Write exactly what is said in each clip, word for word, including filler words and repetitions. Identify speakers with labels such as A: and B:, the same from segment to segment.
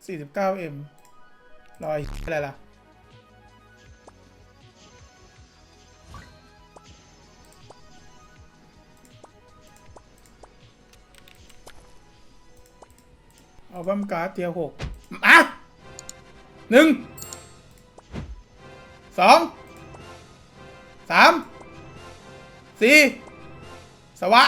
A: สี่สิบเก้าเอ็มรอยอะไรล่ะเอาบัมการ์ดเทียหกอ่ะหนึ่งสองสามสี่สวะ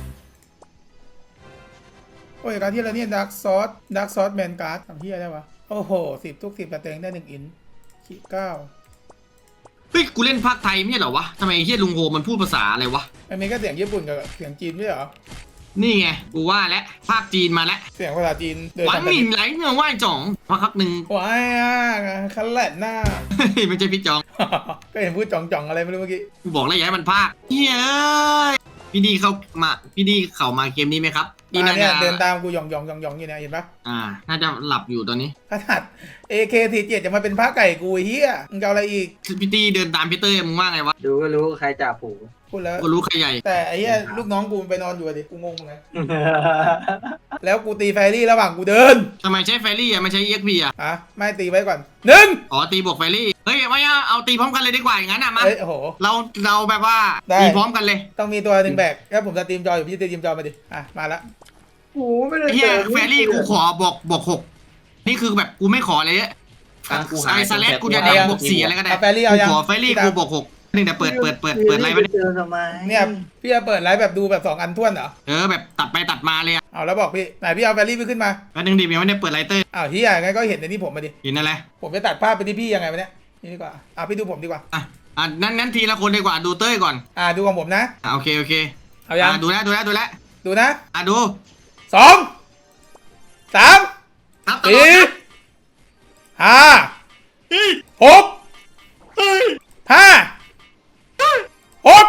A: โอ้ยการที่เราเนี่ยดักซอสดักซอสแมนการ์ดทำที่อะไรวะโอ้โหสิบทุกสิบแต่เต็งได้หนึ่งอินขีเก้า
B: เฮ้ยกูเล่นภาคไทยไม่ใช่เหรอวะทำไมไอ้เฮียลุงโฮมันพูดภาษาอะไรวะ
A: มันมีก็เสียงญี่ปุ่นกับเสียงจีนไม่ใช่เหรอ
B: นี่ไงกูว่าแล้วภาคจีนมาแล้ว
A: เสียงภาษาจีน
B: หวานหมิ่นไหลเงือไหว้จ่องพักพักหนึ่ง
A: ว้ายอ่ะคันแหลนหน้า
B: ไม่ใช่พี่จอง
A: ก็เห็นพูดจ่องๆอะไรไม่รู้เมื่อกี้
B: กูบอกแล้วอย่าให้มันภาคเฮ้ยพี่ดีเขามาพี่ดีเข้ามาเกมนี้ไหมครับ
A: นี่นะเนี่ยเดินตามกูหยองหยองหยองหยองอยู่เนี่ยเห็นปะ
B: อ่าน่าจะหลับอยู่ตอนนี้
A: ขนาด เอ เค สี่สิบเจ็ด จะมาเป็นพระไก่กูเฮียมึงจะเอาอะไรอีก
B: พี่ดีเดินตามพี่เต้ยมึงว่าไงวะ
C: ดูก็รู้ใครจ่าฝูง
A: พูดแล้ว
B: ก็รู้ใครใหญ่
A: แต่ไอ้เหี้ยลูกน้องกูไปนอนอยู่ดิกูงงไง แล้วกูตีแฟรี่ระหว่างกูเดิน
B: ทำไมใช้แฟรี่อ่ะไม่ใช้ อี เอ็ก พี อ่ะ
A: อ่ะไม่ตีไว้ก่อนหนึ่ง
B: อ๋อตีบวกแฟรี่เฮ้ยไม่เอาเอาตีพร้อมกันเลยดีกว่าอย่างนั้นอ่ะมา
A: เฮ้ยโอ้โห
B: เราเราแบบว่าตีพร้อมกันเลย
A: ต้องมีตัวหนึ่งแบกแล้วผมจะตีมจออยู่พี่ตีมจอมาดิอ่ะมาละ
C: โอ้ไม่ได้
B: เฮียแฟรี่กูขอบวกบวกหกนี่คือแบบกูไม่ขอเลยอะไอซาเลสกูจะดังบวกสี่อะไรก็ได้กูขอแฟรี่กูบวกหกนี่แต่เปิดเปิดเปิดเปิดไลฟ์ไป
A: เนี่ยพี่จะเปิดไลฟ์แบบดูแบบสองอันท้วนเหรอ
B: เออแบบตัดไปตัดมาเลยอ่ะ
A: เอาแล้วบอกพี่ไหนพี่เอาแฟรี่ไปขึ้นมา
B: แป๊บนึงดิยังไม่ได้เปิดไลท์เตอร์
A: อ้าวเฮียงั้นก็เห็นในนี้ผมมาดิ
B: เห็นอะไร
A: ผมจะตัดภาพไปที่พี่ยังไงวะเนี่ยนี่ดีกว่าอ่ะพี่ดูผมดีกว่า
B: อ่ะอ่ะนั้นนั้นทีละคนดีกว่าดูเต้ยก่อน
A: อ่ะดูของผมนะ
B: อ่ะโอเคโอเค
A: เอายัง
B: ดูแล้วดูแล้วดูแล้ว
A: ดูนะ
B: อ่ะดู
A: สองสาม
B: สี่
A: ห้าหกห้าหก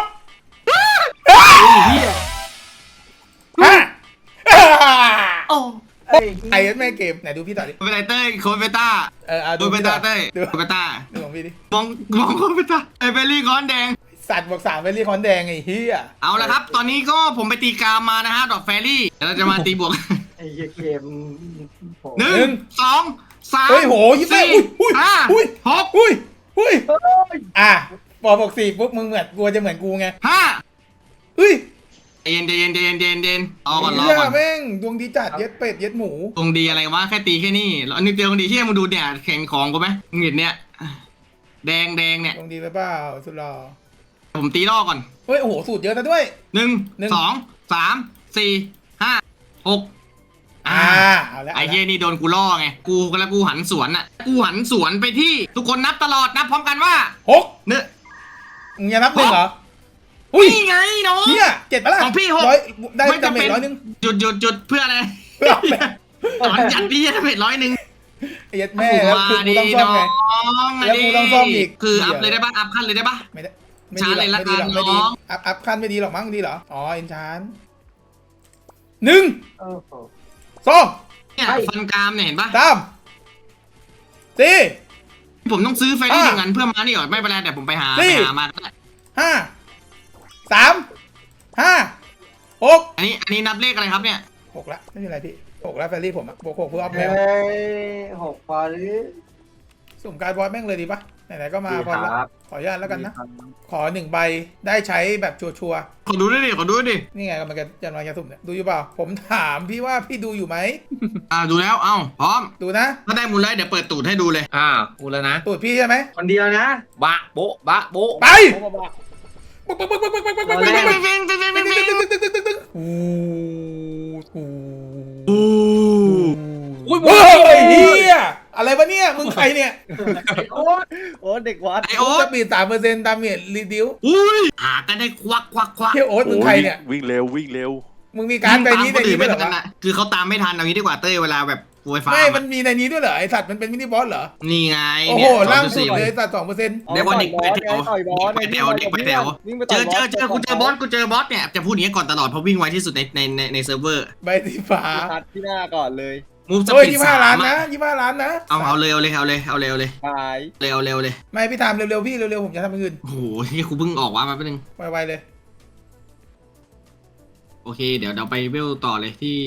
A: ห้า
B: โอ้
A: ไอ้แม่เกมไหนดูพี่ต่อดิ
B: เป็นไรเต้ยโคเบต้า
A: เออดู
B: โคเบต้าเต้ย
A: ดู
B: โคเบต้า
A: ดูของพี่ดิ
B: มองมองโคเบต้าไอเบลลี่คอนแดง
A: สัตว์บอกสามเบลลี่คอนแดงไอ้เหี้ย
B: เอาละครับตอนนี้ก็ผมไปตีกามมานะฮะดอกแฟรี่เราจะมาตีบวก
C: ไอ้เกม
B: หนึ่งสองสาม
A: เฮ้ยโหยี่สิบอุ้ย
B: ห้า
A: อุ้ย
B: หก
A: อุ้ยอุ้ยอ่ะพอบอกสี่ปุ๊บมึงเหมือนกูจะเหมือนกูไง
B: ห้า
A: เฮ้ย
B: เย็นเย็นเย็นเย็นเย็นรอก่อนรอก่อน
A: แม่งดวงดีจัดเย็ดเป็ดเย็ดหมู
B: ดวงดีอะไรวะแค่ตีแค่นี้แล้วนึกเดียวดวงดีที่มึงดูเนี่ยแข่งของกูไหมมึงเห็นเนี่ยแดงแดงเนี่ย
A: ดวงดีไปเปล่าสุดหล่อ
B: ผมตีล่อก่อน
A: เฮ้ยโอ้โหสูตรเยอะซะด้วย
B: หนึ่งสองสามสี่ห้าหก
A: อ่าเอาละ
B: ไอ้เหี้ยนี่โดนกูล่อไงกูแล้วกูหันสวนอ่ะกูหันสวนไปที่ทุกคนนับตลอดนับพร้อมกันว่า
A: หก
B: เนื้อ
A: มึงจะนับหนึ่งเหรอ
B: อุ้ยไงน้อง
A: เนี่ยเจ็ดปะล่ะ
B: ของพี่หก
A: ได้ดาเมจร้อยหนึ่ง
B: จุดจุดจุดเพื่ออะไรตอนจัดพี่ดาเมจร้อยหนึ่ง
A: ไอ้ยัดแม่แล้วคือกูต้องซ่อมไงแล้วกูต้องซ่อมอีก
B: คืออัพเลยได้ปะอัพขั้นเลยได้ปะ
A: ไม่ได้ไม่ดีเลยละกันไม่ดีอัพอัพขั้นไม่ดีหรอกมั้งดีเหรออ๋อเอ็นชานหนึ่งสอง
B: เนี่ยฟันกรามเนี่ยเห็นปะ
A: สามสี่
B: ผมต้องซื้อไฟที่หนึ่งอันเพื่อมานี่ก่อนไม่เป็นไรแต่ผมไปหาไปหามา
A: ห้าสามห้าหก
B: อันนี้อันนี้นับเลขอะไรครับเนี่ย
A: หกละไม่เป็นไรพี่หกละแฟรี่ผมอะบวกหกเพื่ออัพแมว
C: หกพอหรือ
A: สุ่มการบอสแม่งเลยดีปะไหนๆก็มาพอขออนุญาตแล้วกันนะขอหนึ่งใบได้ใช้แบบชัวร์
B: ขอดูด้วยดิขอดูด้วยดิ
A: นี่ไงกำลังจะจะมาจะสุ่มเนี่ยดูอยู่เปล่าผมถามพี่ว่าพี่ดูอยู่ไหม
B: อ่าดูแล้วเอ้าพร้อม
A: ดูนะ
B: ถ้าได้มูลไลท์เดี๋ยวเปิดตูดให้ดูเลย
D: อ่ากูแล้วนะ
A: ตูดพี่ใช่ไหม
C: คนเดียวนะ
D: บะโบะบะโบะ
A: ไป
D: อุ้ย
A: เฮ้ยเฮียอะไรวะเนี่ยมึงใครเนี่ย
C: โอ๊ตโอ๊ตเด็กวัด
B: ไอโอ๊ต
A: จะปีสามเปอร์เซ็นต์ตามเมียรีดิว
B: อุ้ยหากันได้ควักควักควัก
A: เฮียโอ๊ตมึงใครเนี่ย
D: วิ่งเร็ววิ่งเร็ว
A: มึงมีการไปนี้ในนี้ด้วยเหรอ
B: คือเขาตามไม่ทันเอางี้ดีกว่าเต้ยเวลาแบบไวไฟ
A: ไม่มันมีในนี้ด้วยเหรอไอสัตว์มันเป็นมินิบอสเหรอ
B: นี่ไง
A: โอ้โหล่างสุดเลยสัตว์สองเปอร์เซ็นต์
B: เดี๋ยววันนี้ไปแถวไปแถวเด็กไปแถวเจอเจอเจอกูเจอบอสกูเจอบอสเนี่ยจะพูดอย่างนี้ก่อนตลอดเพราะวิ่งไวที่สุดในในในในเซิร์ฟเวอร์
A: ใบสีฟ้า
C: ที่หน้าก่อนเลย
B: มูฟสปีด
A: ยี่ห้าล้านนะยี่ห้าล้านนะ
B: เอาเอาเร็วเลยเอาเลยเอาเร็วเลย
C: ไป
B: เร็วเร็วเลย
A: ไม่พี่ทำเร็วๆพี่เร็วๆผมจะทำอย่างอื่น
B: โอ้โหที่กูเพิ่งออกว่ามาแป๊บนึง
A: ไวๆเลย
B: โอเคเดี๋ยวเราไปเวลต่อเลยที่
A: เว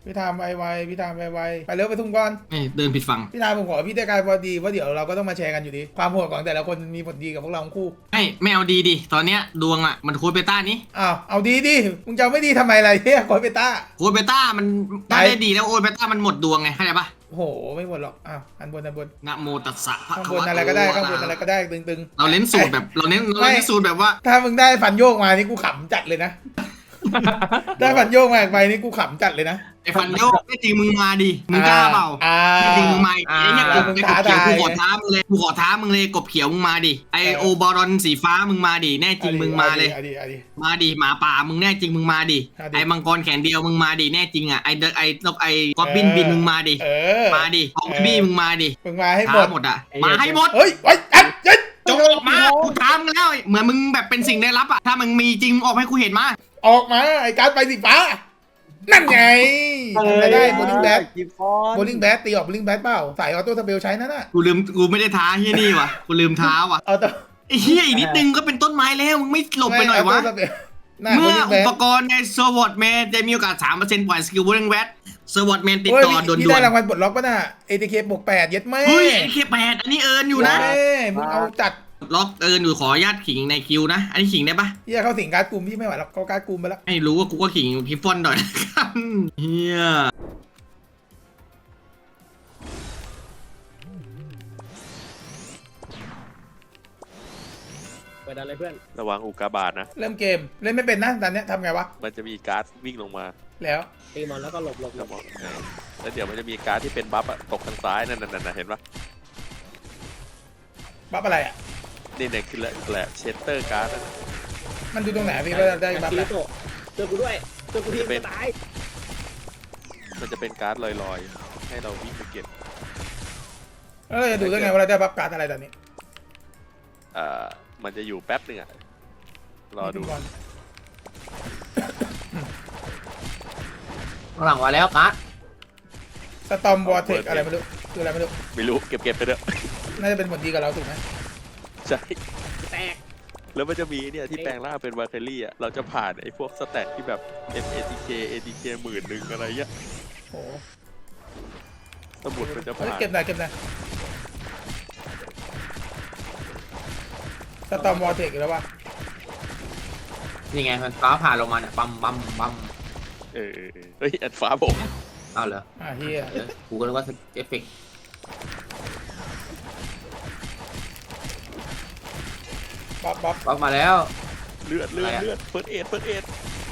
A: พี่ทามไวไวพี่ทามไวไวไปเร็วไปทุ่งก่อน
B: ไม่เดินผิดฝั่ง
A: พี่ทามผมขอพี่ได้การพอดีว่าเดี๋ยวเราก็ต้องมาแชร์กันอยู่ดีความโหดของแต่ละคนมีผลดีกับพวกเราทั้งคู่
B: ไม่ไม่เอาดีดิตอนเนี้ยดวงอ่ะมันโค้ดเบต้านี้
A: อ้าวเอาดีดิมึงจะเอาไม่ดีทำไมล่ะเฮียโคเปต้า
B: โค้ดเบต้ามันได้ได้ดีแล้วโค้ดเบต้ามันหมดดวงไงเข้าใจปะ
A: โอ้โหไม่หมดหรอกอ้าวอันบนอันบน
B: นะโมตัสสะพระ
A: ข้าง
B: คะ
A: บน
B: วะโต
A: อะไรก็ได้ข้างบนอะไรก็ได้ตึง
B: เราเน้นสูตรแบบเราเน้นเราเน้นสูตรแบบว่า
A: ๆถ้ามึงได้ฟันโยกมานี่กูขำจัดเลยนะ ได้ฟันโยกมาอีกใบนี่กูขำจัดเลยนะ
B: ไอ้ฟันโยกไม่จริงมึงมาดิมึงกล้าเปล่า
A: อ่า
B: ไม่จริงมึงมาไอ้เนี่ย
A: อ่าก
B: บ
A: มึง
B: ไอ้ก
A: ท้า
B: บเขียว
A: ทาย
B: กูขอท้ามึงเลยกูขอท้ามึงเลยกบเขียวมึงมาดิไอโอบารอนสีฟ้ามึงมาดิแน่จริงมึงมาเลย
A: อดีอดี
B: มาดิหมาป่ามึงแน่จริงมึงมาดิ
A: เอาดิ
B: ไอ้มังกรแขนเดียวมึงมาดิแน่จริงอ่ะไอ้เดไอ้นกไอ้กอบบินบินมึงมาดิ
A: เออ
B: มาดิออมบี้มึงมาดิ
A: มึงมาให้หม
B: ท้า
A: ด
B: หมดอ่ะมาให้หมด
A: เฮ้ยไอ้ไอ้ยัด
B: จงออกมากูท้ามึงแล้วเหมือนมึงแบบเป็นสิ่งได้รับอ่ะถ้ามึงมีจริงมึงออกให้กูเห็นมา
A: ออกมาไอ้การดไปสีฟ้านั่นไงทำอะไรได้โบลิ่งแบท
C: กิฟฟอน
A: โบลิ่งแบทตีออกโบลิ่งแบทเปล่าสายออโต้สเปลใช้นั่นน่ะ
B: กูลืมกูไม่ได้ท้าเฮียนี่ว่ะกูลืมท้าว่ะ
A: เอาตัว
B: ไอ้เฮียอีกนิดนึงก็เป็นต้นไม้แล้วมึงไม่หลบไปหน่อยวะ
A: ม่ Auto Spell หน้าโบ
B: เมื่อ
A: ลิ่งแบ
B: อุ
A: ท
B: ปกรณ์ในสวอตแมนจะมีโอกาส สามเปอร์เซ็นต์ ปล่อยสกิลวอร์เรนแวตสวอตแมนติด
A: โอ้ย
B: ต่อด่
A: พี่
B: ว
A: ได้
B: น
A: รางวัลปลดล็อกป่ะน่ะ เอ ที เค บวกแปดเย็ดแม่
B: ๆเฮ้ยไอ้เคแปดอันนี้เอิร์นอยู่นะ
A: แม่มึงเอาจัด
B: ล็อกเอิร์นอยู่ขออนุญาตขิงในคิวนะ อันนี้ขิงได้ปะ
A: เฮียเข้าสิงการ์ดกลุ่มพี่ไม่ไหวแล้วเขาการ์ดกลุ่มไปแล้ว
B: ไม่รู้ว่ากูก็ขิงพิฟฟอนหน่อยนะครับเฮีย
C: ไปดันเลยเพื่อน
D: ระวังอุกกาบาตนะ
A: เริ่มเกมเล่นไม่เป็นนะตอนเนี้ยทำไงวะ
D: มันจะมีการ์ดวิ่งลงมา
A: แล้ว
C: ตีมันแล้วก็หลบหลบหล
D: แล้ว
C: บ
D: บอกแล้วเดี๋ยวมันจะมีการ์ดที่เป็นบัฟอะตกทางซ้ายนั่นนั่นเห็นปะ
A: บัฟอะไรอ่ะ
D: นี่เนี่ยคือแหละแหละเชสเตอร์การ์ดนั่นน่ะ
A: มันดูตรงไหนพี่ว่าได้บัฟ
C: คิ
A: อะไร
C: ริโตะเจอกูด้วยเจอกูที่จะตาย
D: มันจะเป็นการ์ดลอยๆ ให้เราวิ่งไปเก็บ
A: แล้วเราจะดูได้ไงว่าเราได้บัฟการ์ดอะไรตอนนี้
D: เอ่อมันจะอยู่แป๊บหนึงอะรอดู
A: ก่อน
D: หลังมาแล้วการ์ด
A: สตอมวอร์เทกอะไรไม่รู้คืออะไรไม่รู้
D: ไม่รู้เก็บเก็บไปเถอะ
A: น่าจะเป็นผลดีกับเราถูกไหม
D: ใช่
C: แตก
D: แล้วมันจะมีเนี่ยที่แปลงร่างเป็นวาเคลลี่อ่ะ เราจะผ่านไอ้พวกสแตทที่แบบ เอ็ม เอ ที เค เอ ที เค หมื่นหนึ่งอะไรเงี้ย
A: โอ้
D: สมุดมันจะ
A: เฮ้ย
D: ผ่าน
A: เก็บหน่อยเก็บหน่อยสตอมวอร์เทกแล้ววะ
E: นี่ไงมันฟ้าผ่าลงมาเนี่ยปั๊มปั๊มปั๊ม
D: เออเออเออเฮ้ยอันฟ้าผม
E: เอาเหรอ
A: อ่ะเฮีย
E: เดี๋ยวกูก็นึกว่าเอฟเฟกต์
A: บัฟบัฟ
E: ปั๊มมาแล้ว
D: เลือดเลือด
E: อะไรอะ
D: เลือดเฟิร์สเอ็ดเฟิร์สเอ็ด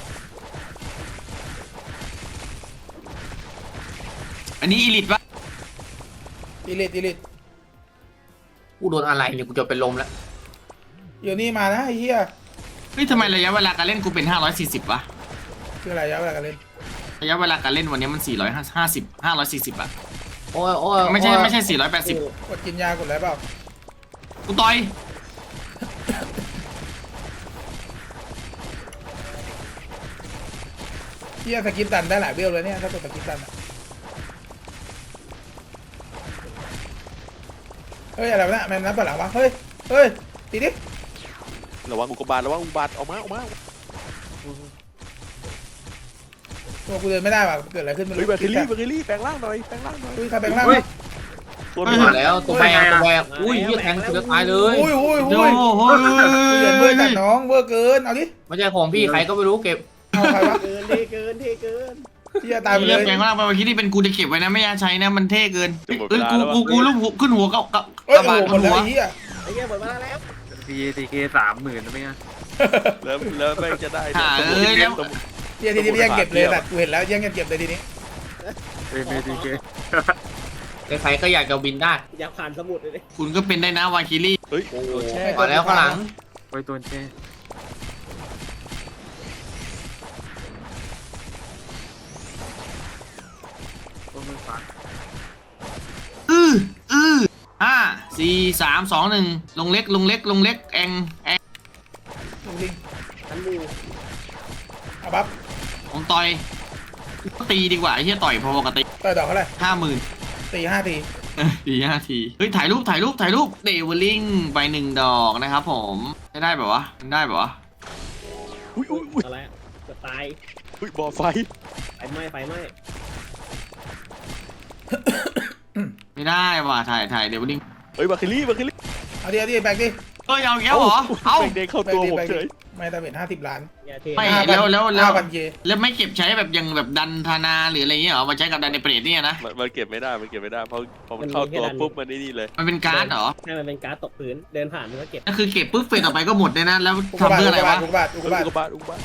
B: อันนี้อีลิทปะ
A: อีลิทอีลิท
E: กูโดนอะไรเนี่ยกูจะเป็นลมแล้ว
A: เดี๋ยวนี้มานะไอ้เฮีย
B: เฮ้ยทำไมระยะเวลาการเล่นกูเป็นห้าร้อยสี่สิบวะ
A: คืออะไรยะเวลากันเล่น
B: ระยะเวลาการเล่นวันนี้มันสี่ร้อยห้าสิบ ห้าร้อยสี่สิบอะ
E: โอ้ยโอ้ย
B: ไม่ใช่
E: โอ้ย
B: ไม่ใช่สี่ร้อยแปดสิบ
A: กดกินยากดอะไรเปล่า
B: กูต่อย
A: เฮียสกิปตันได้หลายเวลเลยเนี่ยถ้ากดสกิปตันอะเฮ้ยอะไรวะเนี่ยแมนนับต่อหลังวะเฮ้ยเฮ้ยตีดิ
D: ระวังอุกกาบาตระวังอุกกาบาตออกมาออกมา
A: ตัวกูเดินไม่ได้ว่ะเกิดอะไรขึ้นไม่
D: เฮ้ย
A: รู้
D: วาเคลลี่วาเคลลี่แปลงร่างหน่อยแปลงร่างหน่อย
A: อุ้ยใครแปลงร่าง
E: เฮ้ย
A: วะ
D: ตัว
E: ไม่
D: ห
E: มาแล้วตัวแบกตัวแบกอุ้ยเฮียแทงกูจะตายเลย
A: อุ้ยอุ้ย
B: โอ้
A: อุ้ย
B: โห
A: เดือดเวอร์จัดน้องเวอร์เกินเอาดิ
E: ไม่ใช่ของพี่ใครก็ไม่รู้เก็บ
A: เอาใครวะ
C: เกินเทเกินเทเกิน
A: เฮียตายไปเล
B: เรียก
A: ย
B: แปลงร่างไปเมื่อกี้ที่เป็นกูจะเก็บไว้นะไม่อยากใช้นะมันเท่เกิน
D: จะหมด
B: เอ้
D: เวย ลา
B: กู
D: แล้ววะ
B: กูกูรูปหัวขึ้นหัวกับกับ
A: เอ้ย
B: กระ
A: โอ้
B: บาด
A: โหหม
B: บ
A: ด
B: น
A: แล้ว
B: หัว
A: ไอ้เฮีย
C: ไอ้เหี้ยหมดเวลาแล้ว
F: พีทีเคสามหมื่นแล้วไหมอ่ะ
D: แล้วแล้วแม่งจะได้
B: หาเอ้ยแล้ว
D: สมุด
A: เฮียทีนี้ยังเก็บเลยแต่กูเห็นแล้วยังเก็บเลยทีนี้
F: เป็นพีทีเค
E: ใครๆก็อยากจะบินได้
C: อยากผ่านสมุดเลยดิ
B: คุณก็เป็นได้นะวาคิรี่
D: เฮ้ย
E: โอ้โห
D: โดนแช่
E: มาแล้วข้างหลัง
F: ไว้ตัวแช่ตัวมือขวา
B: อืออือห้าสี่สามสองหนึ่งลงเล็กลงเล็กลงเล็กแองแอง
A: ดูดิ
C: ทันมู
A: เอาบัฟ
B: ของต่อยตีดีกว่าไอ้เหี้ยต่อยพอปกติ
A: ต่อยดอกเท่าไหร่
B: ห้าหมื่น
A: ตีห้าที
B: ตีห้าทีเฮ้ยถ่ายรูปถ่ายรูปถ่ายรูปเดวิลลิงไปหนึ่งดอกนะครับผมได้ได้แบบวะได้แบบวะ
D: อุ้ยอุ้ยอุ้ย
C: อะไรอะจะตาย
D: อุ้ยบ่อไฟ
C: ไฟไหม้ไฟไหม้
B: ไม่ได้ว่ะถ่ายถ่ายเดี๋ยววันนี้
D: เฮ้ยบาคิลี่บาคิลี่
A: เอาดิเอาดิแบกดิ
B: เอ้ยเอาอีกแล้วเหรอเอา
D: แบงเด้งเข้าตัวผมเฉย
A: ไม่แต่เป็นห้าสิบล้าน
C: อย่าเท
B: ไม่แล้วแล้วแล้ว
A: ห้าพันเย
B: แล้วไม่เก็บใช้แบบยังแบบดันธนาหรืออะไรเงี้ยเหรอมาใช้กับดันในเปรตเนี่ยนะ
D: มันมันเก็บไม่ได้มันเก็บไม่ได้เพราะพอมันเข้าตัวปุ๊บมันนี่นี่เลย
B: มันเป็นการ์ดเหรอ
C: ให้มันเป็นการ์ดตกพื้นเดินผ่านมันก็เก็บ
B: ก็คือเก็บปุ๊บเฟสต่อไปก็หมดเลยนะแล้ว
A: อุกกา
B: ทำ
A: บาต
B: เพื่ออะไรวะ
A: อุกกาบาตอุกกาบาต
D: อุกกาบาตอุกกาบาต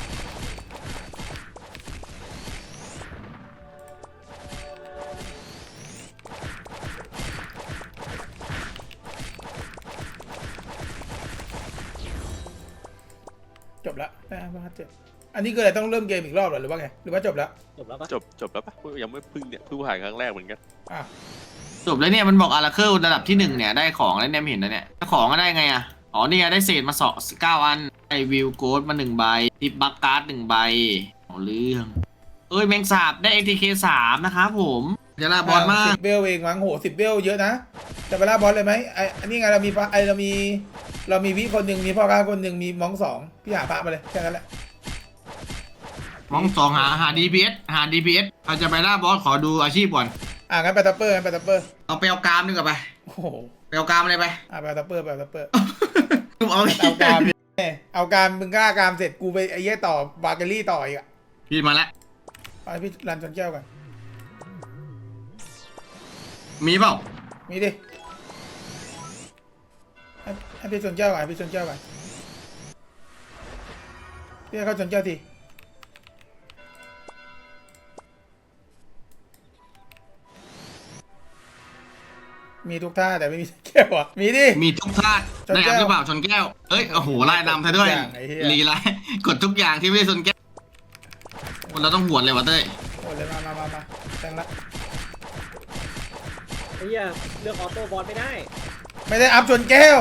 A: จบละได้ห้าเจ็ดอันนี้คืออะไรต้องเริ่มเกมอีกรอบเหรอหรือว่าไงหรือว่าจบแล้ว
C: จบแล้วปะ
D: จบจบแล้วปะยังไม่เพึ่งเนี่ยเพิ่งผ่านครั้งแรกเหมือนกัน
A: อ่ะ
B: จบแล้วเนี่ยมันบอกอาราเคิลระดับที่หนึ่งเนี่ยได้ของแล้วเนี่ยไม่เห็นนะเนี่ยของก็ได้ไงอ่ะอ๋อนี่ไงได้เศษมาสองเก้าอันไอวิวโกดมาหนึ่งใบทิปบักการ์ดหนึ่งใบเอาเรื่องเอ้ยแมงสาบได้ เอ ที เค สามนะครับผมเดี๋ยวลาบอลมาก
A: สิบเบลเองมั้งโหสิบเบลเยอะนะจะไปล่าบอสเลยไหมไออันนี้ไงเรามีพระไอเรามีเรามีวิคนหนึ่งมีพ่อค้าคนหนึ่งมีมองสองพี่หาพระมาเลยแค่นั้นแหละ
B: มองสองหาหา ดี พี เอส หา ดี พี เอส เราจะไปล่าบอสขอดูอาชีพก่อน
A: อ่ะงั้นไปตัปเปอร์งั้นไปตัปเปอร์
B: เอาไปเอากรามดีกว่าไป
A: โอ้โห
B: ไปเอากรามอะไรไป
A: อ่ะไปตัปเปอร์ไปตัปเปอร์
B: เอา
A: เอาการเอาการมึงกล้าการเสร็จกูไปไอ้เหี้ยต่อบาเกอรี่ต่ออีกอ่ะ
B: พี่มาแล้ว
A: ไปพี่รันจนแก้วกัน
B: มีเปล่า
A: มีดิให้ให้พี่ชนแก้วก่อนให้พี่ชนแก้วก่อนพี่ให้เขาชนแก้วทีมีทุกท่าแต่ไม่มีแก้วอ่ะมีดิ
B: มีทุกธาตุ
A: ชน
B: ได้
A: แก้
B: อั
A: ว
B: พหรือเปล่าชนแก้วเอ้ยโอ้โหไล่นำเธอด้วย
A: ทุกอย่างไอ้เหี้ย
B: ลีไลกดทุกอย่างที่ไม่ได้ชนแก้วเราต้องหวดเลยวะเต้ย
A: โอ้เลยมามามามาแต่งละ
C: ไอ้เหี้ยเลือกออโต้บอลไม่ได้
A: ไม่ได้อัพชนแก้ว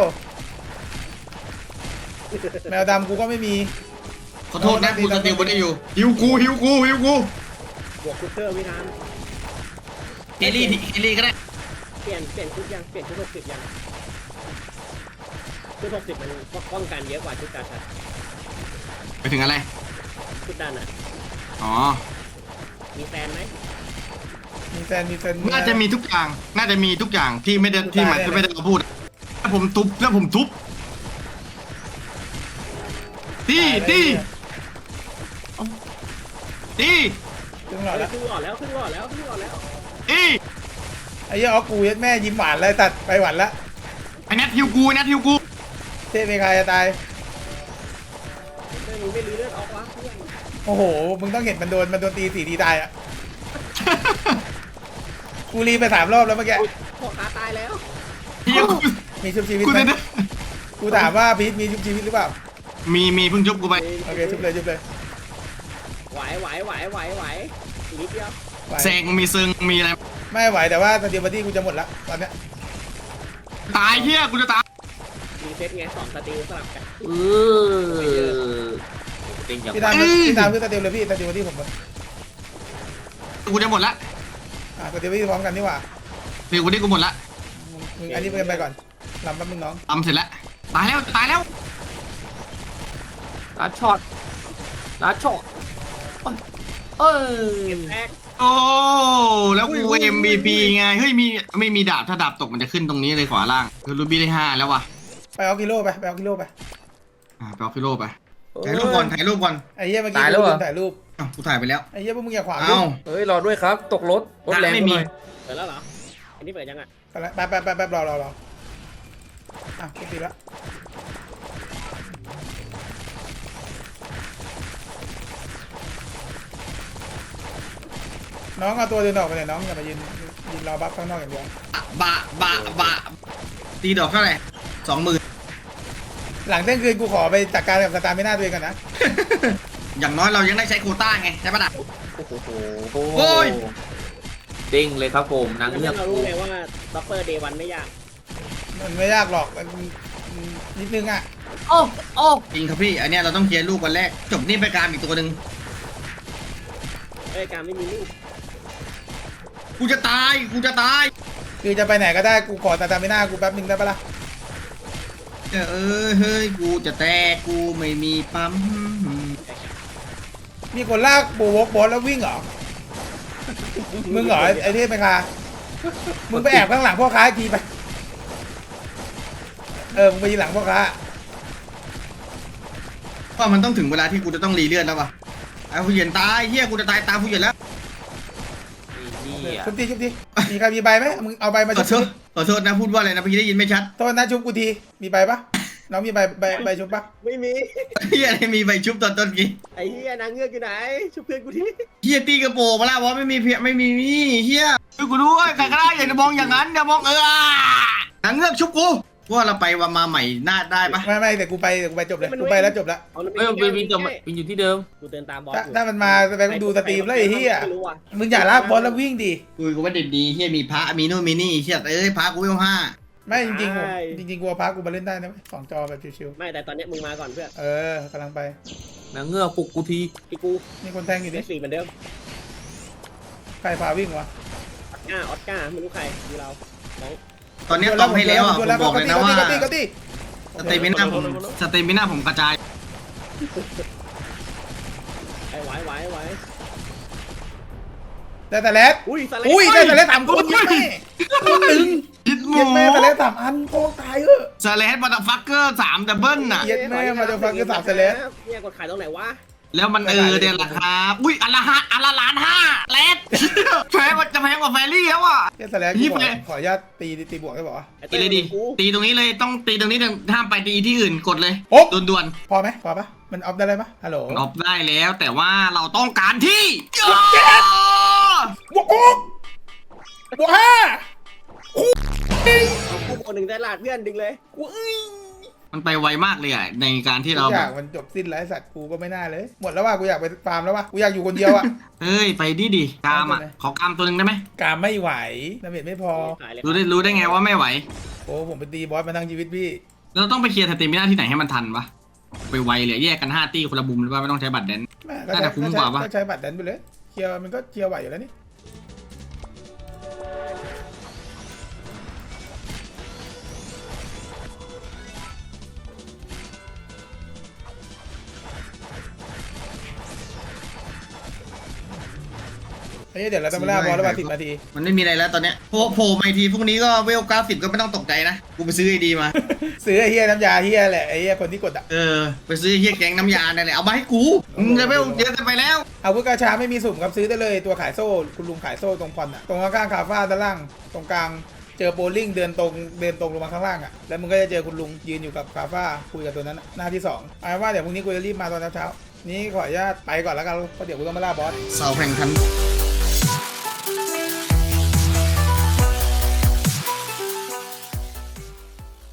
A: แมวดำกูก็ไม่มี
B: ขอโทษนะกูสติลบนได้อยู่ฮิวกูฮิวกูฮิวกู
C: บวกคุกเกอร์ไม่ทัน
B: เคลลี่เคลลี่ก็ได้
C: เปลี่ยนเปลี่ยนชุดยังเปลี่ยนชุดหกสิบยังชุดหกสิบมันป้องกันเยอะกว่าชุดดันอะ
B: ไปถึงอะไร
C: ชุดดันอ่ะ
B: อ๋อ
C: มีแฟนไหม
A: มีแฟนมีแฟน
B: น่าจะมีทุกอย่างน่าจะมีทุกอย่างที่ไม่ได้ที่หมายที่ไม่ได้เราพูดถ้าผมทุบแล้วผมทุบตีตีตี
A: ถึงหลอด
C: เฮ้ย
A: แล้ว
C: ขึ้นหลอดแล้วขึ้นหลอดแล้วขึ้นหลอดแล้ว
B: ตี
A: ไอ้เหี้ยอ๋อกูยัดแม่ยิ้มหวานเลยตัดไปหวานละ
B: ไอ้แนทฮิวกูแนทฮิวกู
A: เทพเมคายจะตาย
C: เฮ้ยมึงไม่รื้อเลือดออกวะเพื่อน
A: โอ้โหมึงต้องเห็นมันโดนมันโดนตีสี่ทีตายอ่ะกูรีไปสามรอบแล้วเมื่อกี้
C: พ่อค้าตายแล้ว
B: ฮิวกู
A: มีชุบชีวิต
B: กู
A: ไหม
B: จะ
A: กูถามว่าพีทมีชุบชีวิตหรือเปล่า
B: มีมีเพิ่งชุบกูไป
A: โอเคชุบเลยชุบเลย
C: ไหวไหวไหวไหวไหวอีกนิดเดียว
A: ไหว
B: แซงมีซึงมีอะไร
A: ไม่ไหวแต่ว่าสเตียบัตี้กูจะหมดละตอนเนี้ย
B: ตายเฮียกูจะตาย
C: รีเซ็ตไงสองสติลสลับกัน
E: เออเต็งอย่าง
A: พี่ตามพี่ตามคือสเตียเลยพี่สเตียบัตี้ผมหมด
B: กูจะหมดละ
A: อ่ะสเตียบัตี้พร้อมกันนี่หว่า
B: เดี๋ยวกูได้กูหมดละ
A: มึงอันนี้ไปกันไปก่อนลำแป๊บนึงน้อง
B: ทำเสร็จแล้วตายแล้วตายแล้ว
E: ลัดช็อตลัดช็อตเออ
C: แตก
B: โอ้แล้วกู เอ็ม วี พี ไงเฮ้ยมีไม่มีดาบถ้าดาบตกมันจะขึ้นตรงนี้เลยขวาล่างคือรูบี้ได้ห้าแล้วว่ะ
A: ไปเอากิโลไปไปเอากิโลไป
B: อ่าไปเอาฟิโลไปถ่ายรูปก่อนถ่ายรูปก่อน
A: ไอ้เหี้ยเมื่อกี้กูลืมถ่ายรูป
B: อ้าวกูถ่ายไปแล้ว
A: ไอ้เหี้ยพวกมึงอย่าขวาง
B: เอ้า
E: เฮ้ยรอด้วยครับ ตกรถรถแรง
B: ไม่มี
E: หน่อย
C: เปิดแล้วเหรออันนี้เปิดยังอ่ะ
A: ไปไปไปไปรอรอรออ่ะกูตีละน้องเอาตัวเดินออกไปเลยน้องอย่ามายืนยืนรอบัฟข้างนอกอย่างเดียว
B: บะบะบะตีดอกเท่าไหร่สองหมื่น
A: หลังเที่ยงคืนกูขอไปจัดการกับสตาร์ไม่น่าตัวเองกันนะ
B: อย่างน้อยเรายังได้ใช้โควต้าไงใช่ปะล่ะ
E: โอ้โห
B: โอ้ย
E: เด้งเลยครับผมนาง
C: แล้ว
E: เงือก
C: เรารู้ไงว่าด็อกเตอร์เดวันไม่ยาก
A: มันไม่ยากหรอกมันนิดนึงอ่ะ
E: โอ้โอ้
B: จริงครับพี่อันเนี้ยเราต้องเคลียร์ลูกวันแรกจบนี่ไปการอีกตัวหนึ่ง
C: เอ้ยการไม่มีลูก
B: กูจะตายกูจะตาย
A: คือจะไปไหนก็ได้กูขอสตาร์ไม่น่ากูแป๊บนึงได้ปะล่ะ
B: เออเฮ้ยกูจะแตกกูไม่มีปั๊ม
A: มีคนลากโบวกบอลแล้ววิ่งเหรอมึงเหรอไอ้เทพไหมคะมึงไปแอบข้างหลังพ่อค้าอีกทีไปเออมึงไปยืนหลังพ่อค้า
B: ว่ามันต้องถึงเวลาที่กูจะต้องรีเลือดแล้วป่ะไอ้ผู้เหยียนตายเฮียกูจะตายตามผู้เหยียนแล้ว
E: นี่อ่ะ
A: ชุบทีชุบทีมีใครมีใบไหมมึงเอาใบมา
B: ข
A: ชุ
B: อบ โทษขอโทษนะพูดว่าอะไรนะเมื่อกี้ได้ยินไม่ชัด
A: โทษนะชุบกูทีมีใบปะน้องมีใบใบใบชุบปะ
C: ไม่มี
B: เฮียอะไรมีใบชุบตอนต้นกี้
C: ไอ้เฮียนางเงือกอยู่ไหนชุบเพื่อนกูที
B: เฮียตีกระโปรงมาแล้วว่าไม่มีเพียไม่มีนี่เฮียช่วยกูด้วยใครก็ได้อย่าจะมองอย่างนั้นอย่ามองเออนางเงือกชุบกูว่าเราไปวันมาใหม่น่าได้ปะ
A: ไม่ไม่แต่กูไปแต่กูไปจบเลยกูไปแล้วจบแล้ว
C: เอาแล้ว
E: เอ้ยวินวินจบวินอยู่ที่เดิม
C: กูเดินตามบอส
A: ถ้า
C: อยู่
A: ถ้ามันมาไปดูสตรีมแล้วไอ้เหี้ย
C: ไม่รู้ว่ะ
A: มึงอย่าลากบอลแล้ววิ่งดิ
B: กูก็ว่าเด็ดดีเฮียมีพระมีนู่นมีนี่เฮียเอ้ยพระกูยังห้า
A: ไม่จริงๆผมจริงๆกูเอาพากูมาเล่นได้นะเว้ยสองจอแบบชิว
C: ไม่แต่ตอนเนี้ยมึงมาก่อนเพื่อน
A: ๆเออกำลังไป
E: นางเงือกปลุกกูที
C: พี่กู
A: มีคนแทงอยู่ดิ
C: ได้สี่เหมือนเดิม
A: ใครพาวิ่งวะ
C: ออสการ์ออสการ์ไม่รู้ใครดูเราน้อง
B: ตอนนี้ตอบให้แล้วอ่ะผมบอกเลยนะว่า
A: ก็ตีก็ตี
B: สเตมิน่าผมสเตมิน่าผมกระจาย
C: ไอ้ไหวไหวไหว
A: ได้แต่เลส
C: อุ้ยสไลด์
A: อุ้ยได้แต่เลสสามคนยังไม่คนตึง
B: ยิดหมู
A: เย็นแม่แต่เลสสามอันโคตรตายเออ
B: สเลสบัตฟักเกอร์สามดับเบิลน่ะ
A: เย็ดแม่มาจะฟังคือสามเซเลส
C: เนี่ยกดขายตรงไหนวะ
B: แล้วมันเออเดี๋ยวราคาอุ้ยอันละห้าอันละล้านห้าเลสแพงกว่าจะแพงกว่าแฟรี่แล้วอ่ะ
A: เย็ดแต่เลส
B: ยี่
A: ข
B: สิ
A: อบ
B: เลย
A: ขออนุญาตตีตีบวกได้บอกว่า
C: ไอ้
B: ตี
C: เต้
B: เลยดิ
C: กู
B: ตีตรงนี้เลยต้องตีตรงนี้ห้ามไปตีที่อื่นกดเลย
A: โอ๊บ
B: ด่วน
A: พอไหมพอปะมันออฟได้เลยปะฮัลโหล
B: ๆออฟได้แล้วแต่ว่าเราต้องการที่
A: บวกกุ๊กบวกห้า
C: เอาคู่คนหนึ่งได้ลาดเพื่อนดึงเลย
B: มันไปไวมากเลยอ่ะในการที่
A: ทุ
B: เรา
A: กอ
B: แบ
A: ย่าง
B: บ
A: มันจบสิ้นไร้สัตว์กูก็ไม่น่าเลย หมดแล้วว่ะกูอยากไปฟาร์มแล้วว่ะกูอยากอยู่คนเดียวอ่ะ
B: เอ้ยไปดิดิกามอ่ะขอกามตัวหนึ่งได้ไหม
A: กามไม่ไหวน้ำเบ็ดไม่พอ
C: ขายเลย
B: รู้ได้รู้ได้ไงว่าไม่ไหว
A: โอ้ผมไปตีบอสมาทั้งชีวิตพี่
B: เราต้องไปเคลียร์สเตมิน่าที่ไหนให้มันทันวะไปไวเลยแยกกันห้าตี้คนละบุมหรือว่าไม่ต้องใช้บัตรแดน
A: แม่ก็
B: น่า
A: ใช้
B: จะคุ้ม
A: ก็
B: ก
A: ใช้
B: ว่าปะ
A: ก็ใช้บัตรแดนไปเลยเคลียร์มันก็เคลียร์ไหวอยู่แล้วนี่เฮ้ยเดี๋ยวเราต้องไปล่าบอสแล้วว่ะสิบนาที
B: มันไม่มีอะไรแล้วตอนเนี้ยโผล่โผล่มาอีกทีพรุ่งนี้ก็เวลเก้าสิบก็ไม่ต้องตกใจนะกูไปซื้อไอดีมา
A: ซื้อไอ้เฮียน้ำยาเฮียแหละไอ้เฮียคนที่กดอ่ะ
B: เออไปซื้อเฮียแกงน้ำยาเนี่ยแหละเอามาให้กูมึงจะเวลเยอะเกันไปแล้ว
A: อาวุธกาชาไม่มีสุ่มครับซื้อได้เลยตัวขายโซ่คุณลุงขายโซ่ตรงพอนอ่ะตรงข้างๆคาฟ้าด้านล่างตรงกลางเจอโบลิ่งเดินตรงเดินตรงลงมาข้างล่างอ่ะแล้วมึงก็จะเจอคุณลุงยืนอยู่กับคาฟ้าคุยกับตัวนั้นอะหน้าที่สองเอาเป็นว่าเดี๋ยวพรุ่งนี้กูจะรีบมาตอนเช้าๆนี้ขออนุญาตไปก่อนแล้วกันเพราะเดี๋ยวกูต้องมาล่าบอส
B: เสาแข่งขัน